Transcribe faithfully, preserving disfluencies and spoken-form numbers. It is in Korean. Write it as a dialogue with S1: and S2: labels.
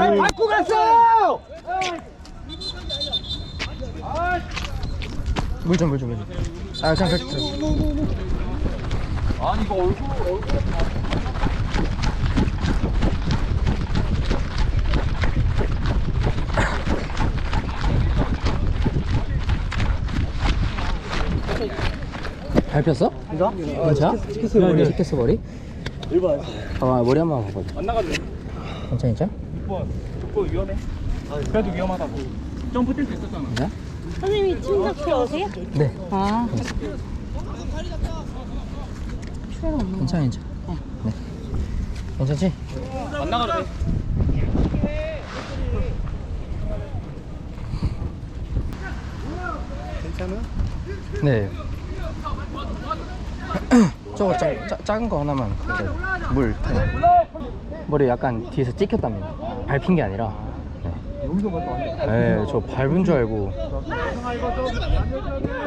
S1: 아, 밟고 갔어!
S2: 물 좀 물 좀 물 좀. 아 그냥 그렇게 들어.
S1: 아니 이거 얼굴 얼굴
S2: 밟혔어?
S1: 이거?
S2: 괜찮아?
S1: 치켰어 머리.
S2: 치켰어 머리?
S1: 일번
S2: 아 머리 한 번만 봐봐.
S1: 안 나가도 돼.
S2: 괜찮아 괜찮아?
S1: 육 번 육 번 위험해. 그래도 위험하다고. 점프 뛸 수 있었잖아.
S2: 괜찮아?
S3: 선생님이 침대 필요하세요?
S2: 네.
S3: 아.
S2: 괜찮아 괜찮아. 네. 괜찮지?
S1: 안 나가도 돼. 괜찮아?
S2: 네. 저거 짜, 짜, 작은 거 하나만 그거 물 그냥. 머리 약간 뒤에서 찍혔답니다. 밟힌 게 아니라. 네.
S1: 여기서 갔다 왔네.
S2: 네, 저 밟은 줄 알고.